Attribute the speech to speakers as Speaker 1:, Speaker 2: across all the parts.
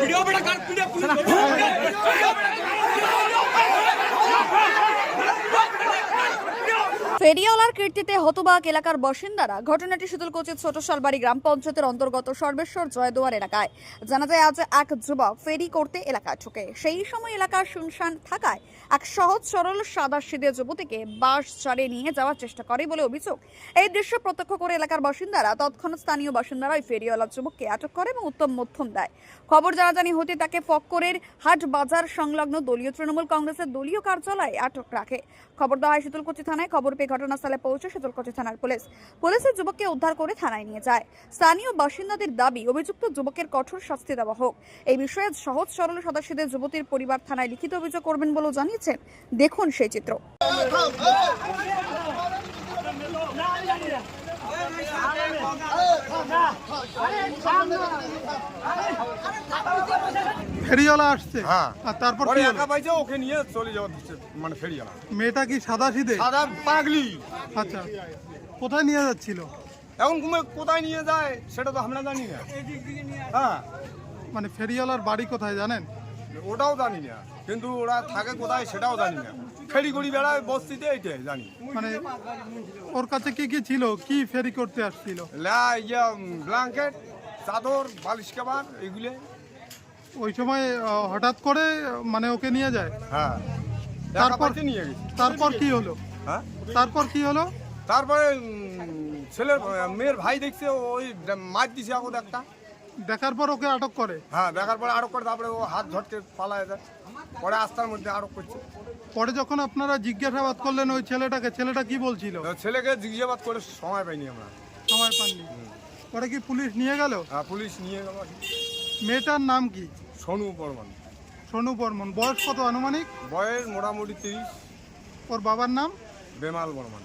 Speaker 1: ফেরিওয়ালার কীর্তিতে হতবাক এলাকার বাসিন্দারা। ঘটনাটি শীতলকুচির ছোট শালবাড়ি গ্রাম পঞ্চায়েতের অন্তর্গত সর্বেশ্বর জয়দুয়ার এলাকায়। জানা যায় আজ এক যুবক ফেরি করতে এলাকায় ঢোকে। সেই সময় এলাকা শুনশান থাকায় এক সহজ সরল সাদাসিধে যুবতীকে বাস চালিয়ে নিয়ে যাওয়ার চেষ্টা করে বলে অভিযোগ। এই দৃশ্য প্রত্যক্ষ করে এলাকার বাসিন্দারা তৎক্ষণাৎ স্থানীয় বাসিন্দারা ওই ফেরিওয়ালা যুবককে আটক করে এবং উত্তম মধ্যম দেয়। খবর জানাজানি হতে তাকে ফক্করের হাট বাজার সংলগ্ন দলীয় তৃণমূল কংগ্রেসের দলীয় কার্যালয়ে আটক রাখে। খবর দেওয়া হয় শীতলকুচি থানায়। খবর পেয়ে ঘটনাস্থলে পৌঁছে শীতলকুচি থানার পুলিশের যুবককে উদ্ধার করে থানায় নিয়ে যায়। স্থানীয় বাসিন্দাদের দাবি অভিযুক্ত যুবকের কঠোর শাস্তি দেওয়া হোক। এই বিষয়ে সহজ সরল সাদাসিধে যুবতীর পরিবার থানায় লিখিত অভিযোগ করবেন বলেও জানিয়েছেন। দেখুন সেই চিত্র।
Speaker 2: ফেরিওয়ালা আসছে,
Speaker 3: হ্যাঁ,
Speaker 2: আর তারপর
Speaker 3: পরে
Speaker 2: কি হলো?
Speaker 3: একা পাইছে, ওকে নিয়ে চলে যাওয়া হচ্ছে, মানে ফেরিওয়ালা।
Speaker 2: মেয়েটা কি সাদাসিধে?
Speaker 3: সাদা পাগলি।
Speaker 2: আচ্ছা, কোথায় নিয়ে যাচ্ছিল?
Speaker 3: এখন কোথায় নিয়ে যায় সেটা তো আমরা জানি না। হ্যাঁ,
Speaker 2: মানে ফেরিওয়ালার বাড়ি কোথায় জানেন?
Speaker 3: ওটাও জানি না, কিন্তু ওরা থাকে কোথায় সেটাও জানি না। ফেরি করি বেড়ায় বস্তিতে, এইটাই জানি।
Speaker 2: মানে ওর কাছে কি কি ছিল? কি ফেরি করতে আসছিল?
Speaker 3: ব্ল্যাঙ্কেট, চাদর, বালিশ কাবার, এগুলো।
Speaker 2: ওই সময় হঠাৎ করে মানে ওকে নিয়ে যায়।
Speaker 3: হ্যাঁ,
Speaker 2: তারপর
Speaker 3: নিয়ে গেছে।
Speaker 2: তারপর কি হলো?
Speaker 3: হ্যাঁ,
Speaker 2: তারপর কি হলো?
Speaker 3: তারপরে ছেলের মেয়ের ভাই দেখছে, ওই মাছ দিছে আগত একটা।
Speaker 2: দেখার পর ওকে আটক করে।
Speaker 3: হ্যাঁ, দেখার পরে আটক করে, তারপরে ও হাত ঝটকে পালায় যায়। পরে আস্তার মধ্যে আটক করছে।
Speaker 2: পরে যখন আপনারা জিজ্ঞাসাবাদ করলেন ওই ছেলেটাকে, ছেলেটা কি বলছিল?
Speaker 3: ছেলেকে জিজ্ঞাসাবাদ করে সময় পাইনি আমরা।
Speaker 2: সময় পাননি। পরে কি পুলিশ নিয়ে গেল?
Speaker 3: হ্যাঁ, পুলিশ নিয়ে গেল।
Speaker 2: মেয়েটার নাম কি?
Speaker 3: সোনু বর্মন।
Speaker 2: সোনু বর্মন। বয়স কত আনুমানিক?
Speaker 3: বয়স মোটামুটি 30।
Speaker 2: ওর বাবার নাম?
Speaker 3: বেমাল বর্মন।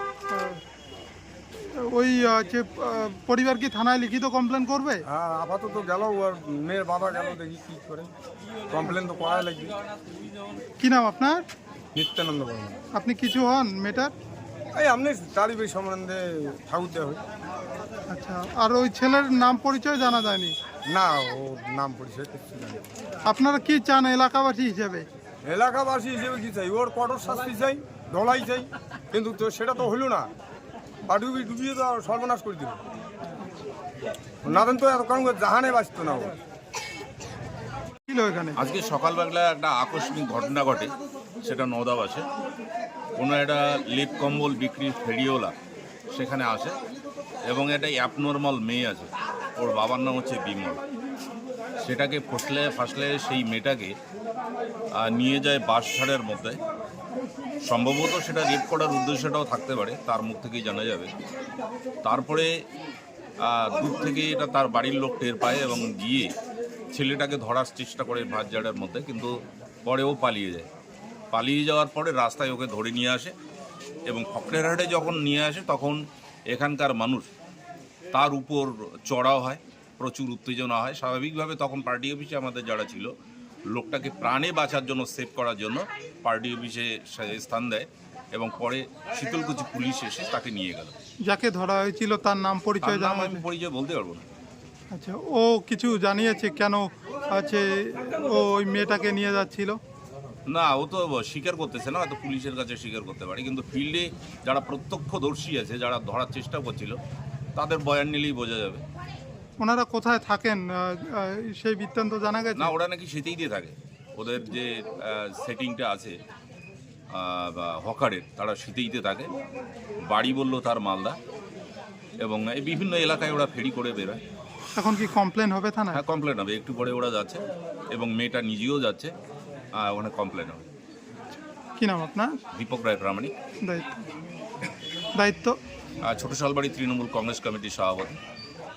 Speaker 2: ওই যে পরিবার কি থানায় লিখিত কমপ্লেন করবে?
Speaker 3: হ্যাঁ, আপাতত গেল, ওর মেয়ের বাবা গেল, দেখি কি করে। কমপ্লেন তো করাই লাগবে।
Speaker 2: কি নাম আপনার?
Speaker 3: নিত্যানন্দ বর্মন।
Speaker 2: আপনি কিছু হন মেয়েটার?
Speaker 3: এই আপনি তারিখ সম্বন্ধে ঠাকুর দেওয়া হয়।
Speaker 2: আচ্ছা, আর ওই ছেলের নাম পরিচয় জানা যায়নি?
Speaker 3: না, ও নাম পরিচয় কিছু জানি।
Speaker 2: আপনারা কি চান এলাকাবাসী হিসেবে?
Speaker 3: এলাকাবাসী হিসেবে কি চাই? ওর কঠোর শাস্তি চাই, ধলাই চাই, কিন্তু তো সেটা তো হলো না। ডুবিয়ে তো সর্বনাশ করে দিল। না দেন তো এত কারণ জাহানে বাঁচত না। ও
Speaker 2: এখানে
Speaker 4: আজকে সকালবেলা একটা আকস্মিক ঘটনা ঘটে, সেটা নওদাবাসে। কোনো একটা লেপ কম্বল বিক্রি ফেরিওয়ালা সেখানে আসে এবং একটা অ্যাবনর্মাল মেয়ে আছে, ওর বাবার নাম হচ্ছে বিমল। সেটাকে ফাসলে সেই মেয়েটাকে নিয়ে যায় বাস ছাড়ের মধ্যে। সম্ভবত সেটা রেপ করার উদ্দেশ্যটাও থাকতে পারে, তার মুখ থেকেই জানা যাবে। তারপরে দূর থেকে এটা তার বাড়ির লোক টের পায় এবং গিয়ে ছেলেটাকে ধরার চেষ্টা করে বাসঝাড়ের মধ্যে, কিন্তু পরে ও পালিয়ে যায়। পালিয়ে যাওয়ার পরে রাস্তায় ওকে ধরে নিয়ে আসে এবং ফকরের হাটে যখন নিয়ে আসে তখন এখানকার মানুষ তার উপর চড়াও হয়, প্রচুর উত্তেজনা হয়। স্বাভাবিকভাবে তখন পার্টি অফিসে আমাদের যারা ছিল, লোকটাকে প্রাণে বাঁচার জন্য, সেভ করার জন্য পার্টি অফিসে স্থান দেয় এবং পরে শীতলকুচি পুলিশ এসে তাকে নিয়ে গেল।
Speaker 2: যাকে ধরা হয়েছিল তার নাম পরিচয় জানা?
Speaker 4: আমি পরিচয় বলতে পারবো না।
Speaker 2: আচ্ছা, ও কিছু জানিয়েছে কেন আছে ও ওই মেয়েটাকে নিয়ে যাচ্ছিল?
Speaker 4: না, ও তো স্বীকার করতেছে না, হয়তো পুলিশের কাছে স্বীকার করতে পারে, কিন্তু ফিল্ডে যারা প্রত্যক্ষদর্শী আছে, যারা ধরার চেষ্টা করছিল, তাদের বয়ান নিলেই বোঝা যাবে।
Speaker 2: ওনারা কোথায় থাকেন সেই বৃত্তান্ত জানা গেছে?
Speaker 4: না, ওরা নাকি সেটাই দিয়ে থাকে। ওদের যে সেটিংটা আছে হকারের, তারা শীতেইতে থাকে। বাড়ি বললো তার মালদা, এবং এই বিভিন্ন এলাকায় ওরা ফেরি করে বেরোয়।
Speaker 2: এখন কি কমপ্লেন হবে থানায়?
Speaker 4: হ্যাঁ, কমপ্লেন হবে, একটু পরে ওরা যাচ্ছে এবং মেয়েটা নিজেও যাচ্ছে, ওখানে কমপ্লেন হবে।
Speaker 2: কি নাম আপনার?
Speaker 4: দীপক রায় প্রামাণিক।
Speaker 2: দায়িত্ব?
Speaker 4: ছোট শালবাড়ি তৃণমূল কংগ্রেস কমিটির সভাপতি।